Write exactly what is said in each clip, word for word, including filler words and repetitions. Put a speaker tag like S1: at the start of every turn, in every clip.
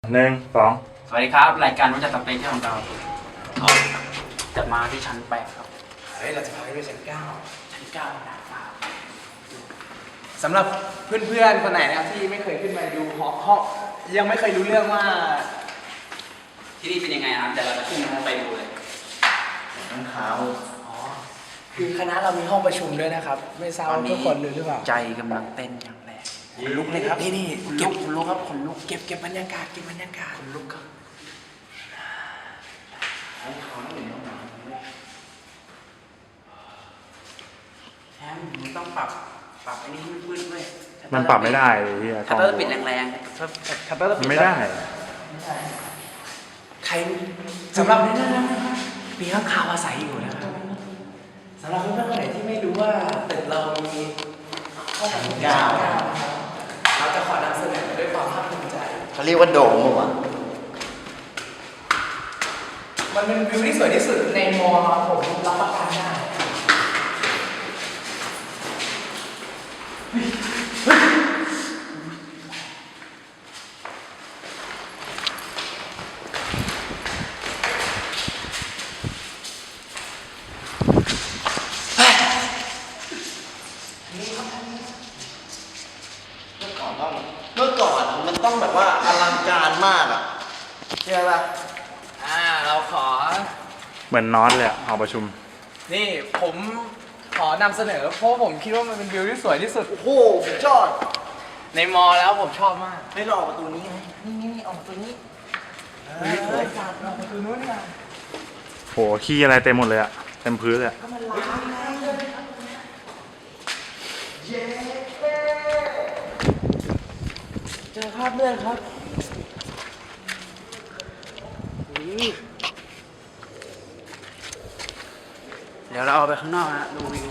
S1: หนึ่งสอง
S2: สวัสดีครับรายการรู้จักสเปคของเราเราจะมาที่ชั้นแปดครับ
S3: เฮ้ยเราจะพาไปชั้นเก้า
S2: ชั้นเก้านะครับ
S3: สำหรับเพื่อนๆคนไหนนะครับที่ไม่เคยขึ้นมาดูหอห้องยังไม่เคยรู้เรื่องว่า
S2: ที่นี่เป็นยังไงครับแต่เราจะขึ้นไปดูเลย
S3: น้ำขาวอ๋อคือคณะเรามีห้องประชุมด้วยนะครับไม่ทราบว่าทุกคนรู้หรือเปล่า
S2: ใจกำลังเต้นอย่างแรง
S3: ขนลุกเลยครับนี่นี่
S2: เก็บขนลุกครับขนลุก
S3: เก็บเก็บบรรยากาศเก็บบรรยากาศ
S2: ขนลุกครับแชมป์มึงต้องปรับปรับไอ้นี่มืดๆด้วย
S1: มันปรับไม่ได้เลยที่
S2: ชัตเตอร์ปิดแรงๆ
S3: ชัตเตอร์ปิด
S1: ไม่ได้
S3: ใครสำหรับนี่นะมีข้างคาวอาศัยอยู่นะครับสำหรับเพื่อนๆคนไหนที่ไม่รู้ว่าตึกเรามีห้องชั้นเก้าเราจะขอนำเสนอด้วยความภาคภูมิใจ
S4: เขาเรียกว่าโดมเหรอ
S3: มันเป็นวิวที่สวยที่สุดในมอผมรับประกันได้
S4: เมื่อก่อนมันต้องแบบว่าอลังการมากอ่ะใช่ป่ะ
S3: อ่าเราขอ
S1: เหมือนนอนเลยอะหอประชุม
S3: นี่ผมขอนำเสนอเพราะผมคิดว่ามันเป็นวิวที่สวยที่สุด
S4: โอ้โหจอด
S3: ในมอแล้วผมชอบมาก
S4: ให้เราออกประตูนี้ไงนี่นี่นี่ออกประตูนี้
S3: สวยจัดออกประตูนู้นนะ
S1: โหขี้อะไรเต็มหมดเลยอะเต็มพื้นเลย
S3: ก็มันล้างไงเย้เจอภาพเลื่อนครับ
S2: เดี๋ยวเราเอาไปข้างนอกนะดูวิว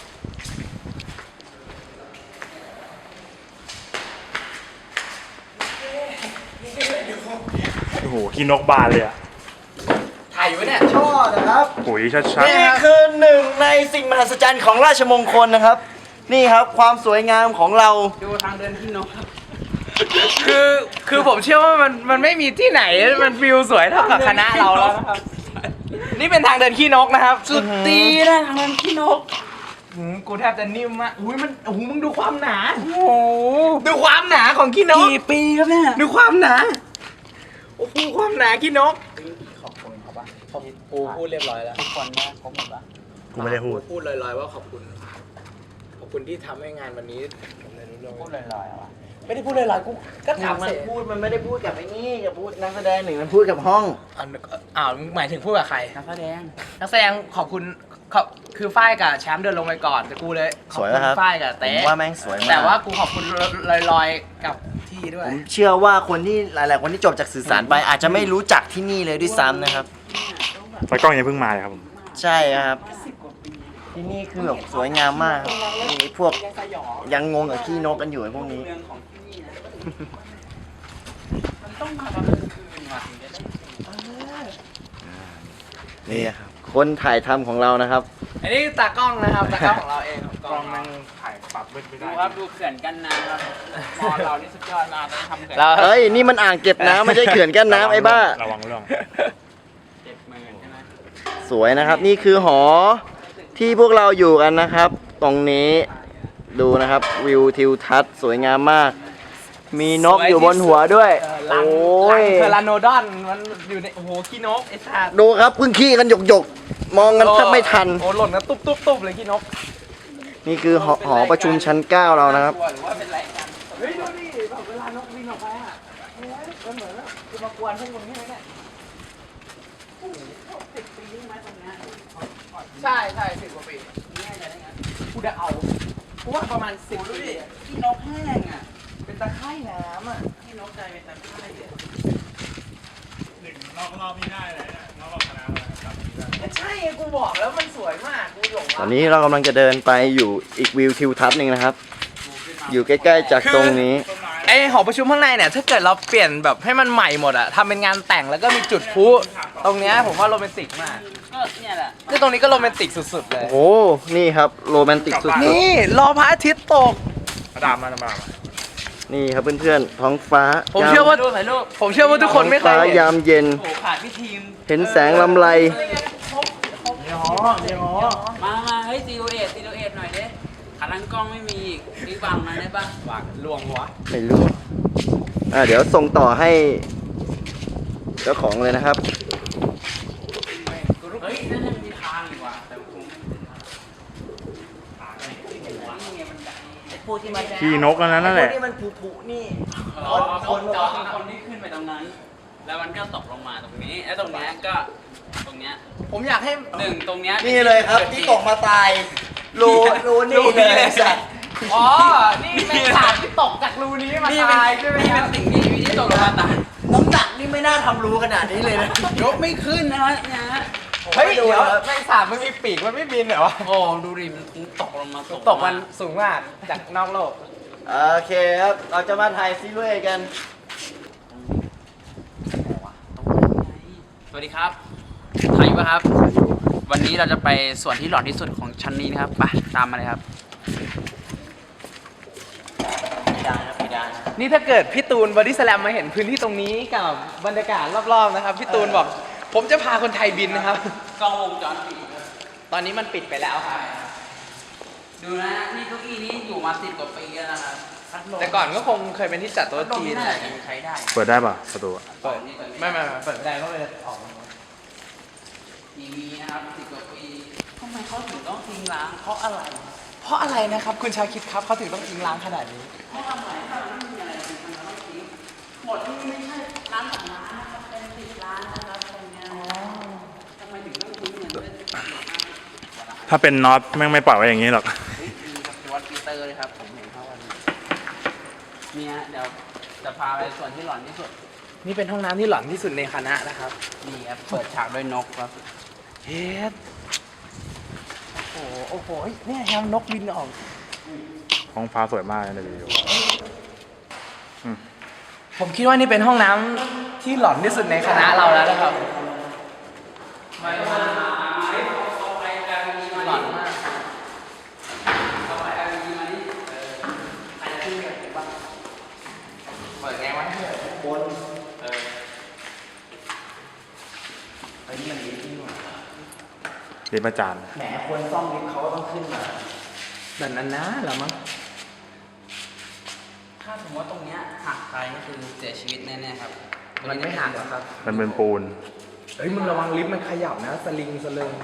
S1: โอ้โหขี้นกบานเลยอะ
S3: ถ่ายอยู่เนี่ย
S4: ชอบนะครับ
S1: ปุ๋ยชัด
S4: ๆนี่คือหนึ่งในสิ่งมหัศจรรย์ของราชมงคลนะครับนี่ครับความสวยงามของเรา
S2: ดูทางเดินที่นกครับ
S3: คือคือผมเชื่อว่ามันมันไม่มีที่ไหนมันวิวสวยเท่ากับคณะเราแล้วครับนี่เป็นทางเดินขี้นกนะครับ
S2: สุดตีนะทางเดินขี้นก
S3: กูแทบจะนิ่มอ่ะอุ้ยมันโอ้โหมึงดูความหนาโอ้โหดูความหนาของขี้นก
S2: กี่ปีครับเนี่ย
S3: ดูความหนาโอ้โหความหนาขี้นกขอบคุณเขาปะขอบกูพูดเรียบร้อยแล้ว
S2: ทุกคนนะครบหมดปะ
S1: กูไม่ได้พูด
S3: พูดลอยๆว่าขอบคุณขอบคุณที่ทำให้งานวันนี้
S2: พูดลอยๆอ่ะ
S3: ไม่ได้พูดลอยๆกูก็ถาม
S4: มันพูดมันไม่ได้พูดกับไอ้นี่กับพูดนักแสดงหนึ่งมันพูดกับห้อง
S3: อ้าวหมายถึงพูดกับใคร
S2: นักแสดง
S3: นักแสดงขอบคุณเขาคือฝ้ายกับแชมป์เดินลงไปก่อนแต่กูเลยขอบคุณฝ้ายกับเต้
S4: ว่าแม่งสวยมาก
S3: แต่ว่ากูขอบคุณลอยๆกับที่ด้วย
S4: ผมเชื่อว่าคนที่หลายๆคนที่จบจากสื่อสารไปอาจจะไม่รู้จักที่นี่เลยด้วยซ้ำนะครับ
S1: ไฟกล้องยังเพิ่งมาเลยครับผม
S4: ใช่ครับที่นี่คือแบบสวยงามมากมีพวกยังงงกับขี้นกกันอยู่ไอ้พวกนี้นี่ครับคนถ่ายทำของเรานะครับ
S3: อันนี้ตากล้องนะครับตากล้องของเราเอง
S1: กล้องมันถ่ายปรับไม่ได้
S2: ดูครับดูเขื่อนกันน้ำครับมอเรานี่สุดยอดมากเลยทำเขื่
S4: อนเฮ้ยนี่มันอ่างเก็บน้ำไม่ใช่เขื่อนกั้นน้ำไอ้บ้า
S1: ระวังเรื่อง
S2: เจ็บมือใช่ไหม
S4: สวยนะครับนี่คือหอที่พวกเราอยู่กันนะครับตรงนี้ดูนะครับวิวทิวทัศน์สวยงามมากมีนกอยู่บนหัวด้วย
S3: โอ้ยเทอราโนดอนมันอยู่ในโอ้โหขี้นกไอ้สัตว์
S4: ดูครับพึ่งขี้กันหยกหยกมองกันแทบไม่ทัน
S3: โอ้หล่นกันตุ๊บตุ๊บตุ๊บเลยขี้นก
S4: นี่คือหอหอประชุมชั้นเก้าเรานะครับ
S3: เฮ้ยดูดิแบบเวลานกบินออกไปอ่ะมันเหมือนว่าจะมากวนพวกมึงใช่ไหมเนี่ยสิบปีไหมตรงนี้ใช่ใช่สิบกว่าปีนี่จะได้ไงกูจะเอาเพราะว่าประมาณสิบปี
S2: ขี้นกแห้งอ่ะ
S3: เป็นตะไคร่น้ำอ่ะ
S2: ขี้นกใจเป็นตะไคร่เนี่ย
S1: หนึ่งรอบรอบนี้ได้เลยนะรอบรอบคณะ
S3: เลยใช่กูบอกแล้วมันสวยมากกูหลง
S4: ตอนนี้เรากำลังจะเดินไปอยู่อีกวิวทิวทัศน์หนึ่งนะครับอยู่ใกล้ๆจากตรงนี้
S3: ไอหอประชุมข้างในเนี่ยถ้าเกิดเราเปลี่ยนแบบให้มันใหม่หมดอะทำเป็นงานแต่งแล้วก็มีจุดพลุตรงเนี้ยผมว่าโรแมนติกมาก
S2: ก็เนี่ยแหละ
S3: นี่ตรงนี้ก็โรแมนติกสุดๆเลย
S4: โอ้นี่ครับโรแมนติกสุดๆ
S3: นี่รอพระอาทิตย์ตก
S1: ดามมาดามมา
S4: นี่ครับเพื่อนๆท้องฟ้า
S3: ผมเชื่อว่า
S2: รูปถ่ายรูป
S3: ผมเชื่อว่าทุกคนไม่เค
S4: ฟ้าย
S3: เห็น
S4: ยามเย็น
S2: โอ้ขาดพี่ทีม
S4: เห็นแสงลำไร
S2: มามาเฮ้ยซีโอเอทซีโอเอทหน่อยเด้ขาตั้งกล้องไม่มีอีกนี่วางมาได้ปะวางลวงวะ
S4: ไม่รู้ อ่าเดี๋ยวส่งต่อให้เจ้าของเลยนะครับ
S2: เฮ้ยนั่นยังมีทางอีกว่ะแต่คงไม่ถึงทางนี่ไงมันไอ้พวกที่มัน
S1: ขี่นกอันนั้นนั่นแหละ
S4: นี่มันผุผุนี่
S2: อ๋อคนจอดคนที่ขึ้นไปตรงนั้น แล้วมันก็ตกลงมาตรงนี้แล้วตรงเนี้ยก็ตรงเนี้ย
S3: ผมอยากให้
S2: หนึ่งตรงเนี้ย
S4: นี่เลยครับที่ตกมาตายรูรูนี่เลยสัตว์
S3: อ๋อ นี่เป็นสารที่ตกจากรูนี้มา
S2: นี่เป็น
S3: ตายใช่ไหม
S2: นี่
S3: ค
S2: เป็
S3: รั
S2: น
S3: บ
S2: สิ่งมีชีวิตที่ตกลงมาตาย
S4: น้ำหนักนี่ไม่น่าทำรูขนาดนี้เลยนะ
S2: ยกไม่ขึ้นนะฮะเนี่ยฮะ
S3: เฮ้ย เดี๋ยวแมงสาบมันมีปีกมันไม่บินเหรอวะ
S2: โอ้ดูดิมันตกลงมา
S3: ตกมันสูงมากจากนอกโลก
S4: โอเคครับ เราจะมาถ่ายซีรีส์กัน
S2: สวัสดีครับถ่ายอยู่ปะครับ วันนี้เราจะไปส่วนที่หลอนที่สุดของชั้นนี้นะครับไปตามมาเลยครับ
S4: ไม่ได้นะไม่ได้
S3: นี่ถ้าเกิดพี่ตูนบอดี้สแลมมาเห็นพื้นที่ตรงนี้กับบรรยากาศรอบๆนะครับ พี่ตูนบอก ผมจะพาคนไทยบินนะครับ
S2: กล้องวงจรปิด
S3: ตอนนี้มันปิดไปแล้วครับ
S2: ดูนะนี่เก้าอี้นี้อยู่มาสิบกว่าปีแล้วนะครับ
S3: แต่ก่อนก็คงเคยเป็นที่จัดโต๊ะ
S2: ตรง
S3: จี
S2: นี้
S3: น
S2: น่า
S3: อะไร
S2: จะยังใช้ได้
S1: เปิดได้ป่ะประตูอะ
S3: เปิดไม่ไม่ไม่เปิดไม่ได้ก็เลยออกมา
S2: ทีวีนะครับสิบกว่าปีทำไมเขาถึงต้องทิ้งร้างเพราะอะไร
S3: เพราะอะไรนะครับ คุณชาคิดครับเขาถึงต้องทิ้งร้างขนาดนี้
S2: เพราะทำไมถ้ามันไม่มีอะไรจริงมันต้องทิ้งหมดที่ไม่ใช่ร้านสองร้านนะครับเป็นสิบร้านนะครับตรงเนี้ยทำไมถึงต้องทิ้งเงินด้วย
S1: ถ้าเป็นน็อตแม่งไม่ปล่อยไว้อย่างนี้หรอก
S2: เฮ้ยมีกับวัดปีเตอร์เลยครับผมเห็นเขาวันนี้เนี่ยเดี๋ยวจะพาไปส่วนที่หลอนที่สุด
S3: นี่เป็นห้องน้ำที่หลอนที่สุดในคณะนะครับ
S2: นี่ครับเปิดฉากด้วยนกครับ
S3: เฮ็ดโอ้โหโอ้โหเฮ้ยเนี่ยแฮมนกบินออก
S1: ห้องฟ้าสวยมากเลยในวิดีโอ
S3: ผมคิดว่านี่เป็นห้องน้ำที่หลอนที่สุดในคณะเราแล้วนะครับ
S2: ไม่มาไม่เอาไปการมีมาหลอนมากเอาไปการมีมานี่เออใครจะขึ้นกันบ้างเปิดไงวะเพื่อน
S4: บน
S2: เออไอ้นี่มันดีที่หว่า
S1: เรียนประจาน
S4: แหมคนซ่อมลิฟต์เขาก็ต้องขึ้นมา
S3: แบบนั้นนะเหรอมั้ง
S2: ถ้าสมมติว่าตรงเนี้ยหักไปก็คือเสียชีวิตแน่ๆครับ
S3: มันไม่หักหรอกครับ
S1: มันเป็นปูน
S3: เฮ้ยมึงระวังลิฟต์มันขยับนะสลิงสลิง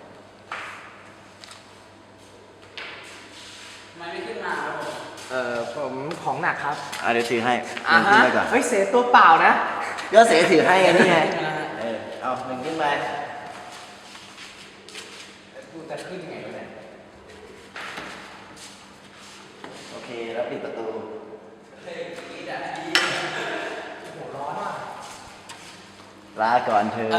S2: ทำไมไม่ขึ้นมาครับผม
S3: เอ่อผมของหนักครับ
S4: อ่ะเดี๋ยวถือให้
S3: อ่า
S4: หนึ่งขึ้
S3: ฮะ
S4: นไปก่อน
S3: เฮ้ยเสียตัวเปล่านะ
S4: ก็เสียถือให้ไงนี่ไง เออ เอาหนึ่งขึ้นไป
S3: กูจะขึ้นยังไงวะเนี่ย
S4: โอเค แล้วปิดประตู ลาก่อนเธอ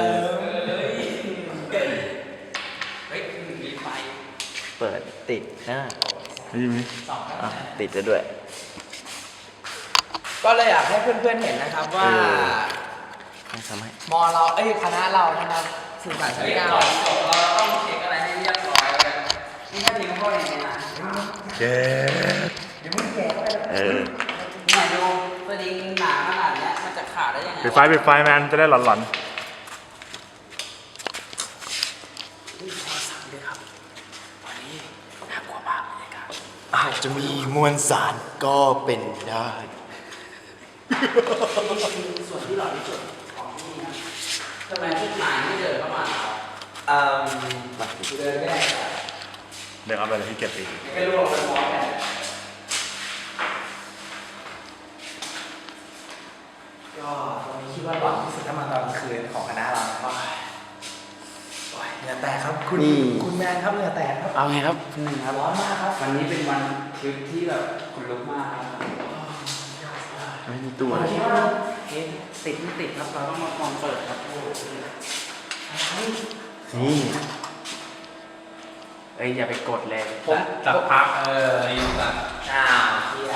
S2: เฮ้ยมีไฟ
S4: เปิดติดนะ
S1: นี่มี
S4: อ่ะติดแล้วด้วย
S3: ก็เลยอยากให้เพื่อนๆเห็นนะครับว่า
S4: เออ ให้ทำให้
S3: มอเราเอ้ยคณะเรานะครับสื่อสารชั้น
S2: เฮ้ย
S3: เก้า
S2: ก่อนจบเราต้องเช็คอะไรให้เรียบร้อยกันนี่ถ้าทิ้งเข้าไปในน้ำ
S1: เย้
S4: เออ
S2: เนี่ยดูสลิงหนาขนาดเนี้ยมันจะขาดได้ยังไง
S1: ปิดไฟปิดไฟแมนจะได้หลอน
S4: อาจจะมีมวลสารก็เป็นได้
S2: ส่วนที่หลอนที่สุดของที่นี่นะทำไมพวกนายไม่เดินเข้ามา
S3: อืม
S4: มา
S3: เดินไม่ได้
S1: ๆเดี๋ยวเอาไปเลยที่เก็บอีก
S2: ไม่รู้ว่าเป็นมอสเนี่ย
S3: ก็ตอนนี้คิดว่าหลอนที่สุดถ้ามาตอนกลางคืนของคณะเราก็โอ้ยเหงื่อแตกครับคุณ
S4: นี่
S3: คุณแมนครับเหงื่อแตกครับ
S2: เอาไงครับหนึ่งครับ
S3: ร้อนมากครับ
S2: วันนี้เป็นวันทริปที่แบบขนลุกมากครับ
S4: ไม่มีตัว
S3: วันที่ว่า
S2: เอ๊ะติดไม่ติดครับเราต้องมาลองเปิดครับ
S4: นี่
S2: เอ้ยอย่าไปกดเลย
S3: ผมจับพักเอออยู่แบบอ้าวเฮีย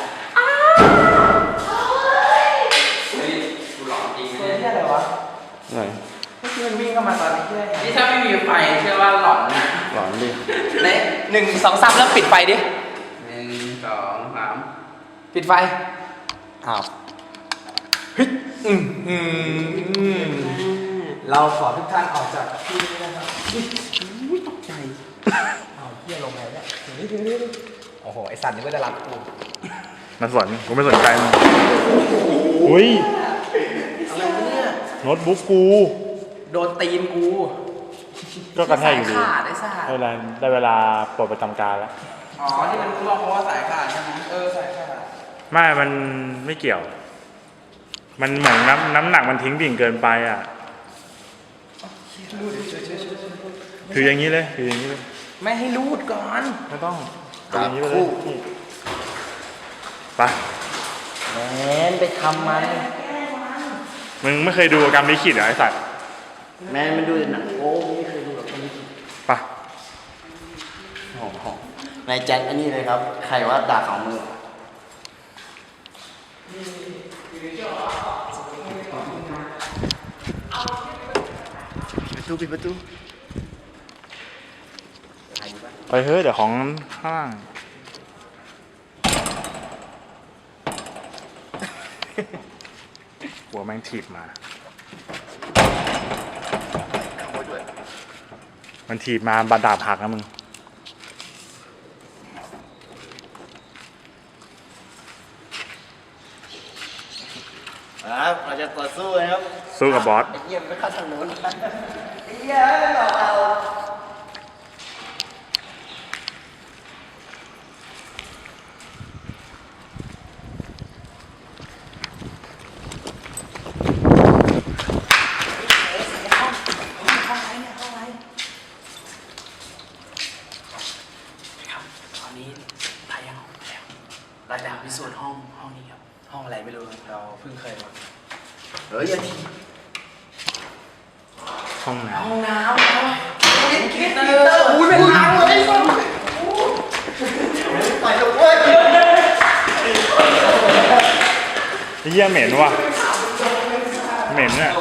S2: เฮ้ยกูหลอนจริง
S3: เฮี
S2: เนี่ย
S3: ยอะไรวะ
S4: หน่อย
S3: เมื่อกี้มันวิ่งเข้ามาตอนนี้เฮีย
S2: นี่ถ้าไม่มีไฟเชื่อว่าหลอนนะ
S4: หลอนดิ
S3: เน่หนึ่งสองสามแล้วปิดไฟดิ
S2: หนึ่งสองสาม
S3: ปิดไฟอ้าวเฮ้ยอืมอืมเราขอทุกท่านออกจากที่นี้นะครับอุ้ยตกใจอ้าวเฮียลงไงเนี่ยถึงนี้ถึงนี้โอ้โหไอสัตว์นี่ก็จะรับกู
S1: มาสนกูไม่สนใจมึงอุ้ย
S3: อะไรวะเนี่ย
S1: โน้ตบุ๊กกู
S3: โดนตีนกู
S1: ก็กระแทกอยู่ดี
S3: สายขาดไอ้สัตว์
S1: ได้เวลาได้เวลาปลดประจำการแล้ว
S2: อ๋อที่มันรู้ว่าเพราะว่าสายขาดใช่ไหมเออสายขาด
S1: ไม่ มันไม่เกี่ยว มันเหมือนน้ำน้ำหนักมันทิ้งดิ่งเกินไปอ่ะ ถืออย่างนี้เลย ถืออย่างนี้เลย
S3: ไม่ให้รูดก่อน
S1: ไม่ต้องถืออย่างนี้ไปเลยนี่ไป
S4: แมนไปทำมัน
S1: มึงไม่เคยดูกรรมลิขิตเหรอไอสัตว์
S4: แมนมันดูแต่หนังโอ้ไม่เคยดูหรอกคนนี้
S1: ไป
S4: โอ้โหนายแจ็คอันนี้เลยครับ ใครว่าด่าสองมือปิดประตูปิดประตู
S1: ไปเฮ้ยเดี๋ยวของข้างล่าง หัวแม่งถีบมา มันถีบมาบาดดาบหักนะมึง
S4: ครับเราจะต่อสู้นะครับ
S1: สู้กับบอส
S4: ไอ้เหี้ยมันไม่เข้าทางโน้นไอ้เหี้ยหลอกเอา
S3: ครับตอนนี้ไปยังแล้วเราจะพิสูจน์ห้องห้องนี้ครับ ห้องอะไรไม่รู้เราเพิ่งเคยมา
S4: เฮ้ยอย่าที
S1: ห้องน้
S3: ห้องน้ำครับคิดคิดเตอร์อุ้ยเป็นล้างเลย
S4: ไปเถอะเว้ย
S1: ำไอ้เหี้ยเหม็นว่ะ เหม็นเนี่ย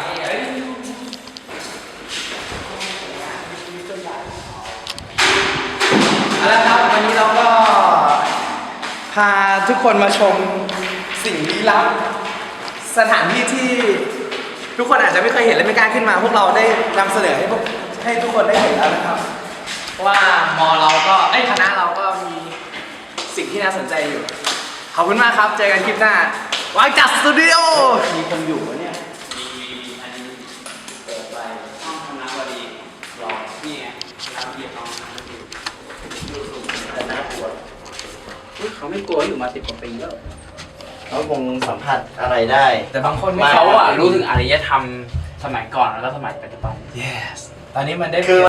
S3: เอาละครับวันนี้เราก็พาทุกคนมาชมสิ่งลี้ลับสถานที่ที่ทุกคนอาจจะไม่เคยเห็นและไม่กล้าขึ้นมา พวกเราได้นำเสนอให้พวกให้ทุกคนได้เห็นแล้วนะครับว่ามอเราก็ไอ้ยคณะเราก็มีสิ่งที่น่าสนใจอยู่ขอบคุณมากครับเจอกันคลิปหน้าวางจัดสตูดิโอ
S4: มีคนอยู่วะเนี่ย
S2: ห้องคณะบดีรอนี่ไงคณะบดีห้องคณะบดี
S4: แต่น่ากลัว
S2: อุ๊ยเขาไม่กลัวอยู่มาสิบกว่าปีแล้ว
S4: เขาคงสัมผัสอะไรได้
S3: แต่บางคนไม่
S2: เขาอะรู้ถึงอารยธรรมสมัยก่อนแล้วก็สมัยปัจจุบัน
S3: yes ตอนนี้มันได้
S4: คือ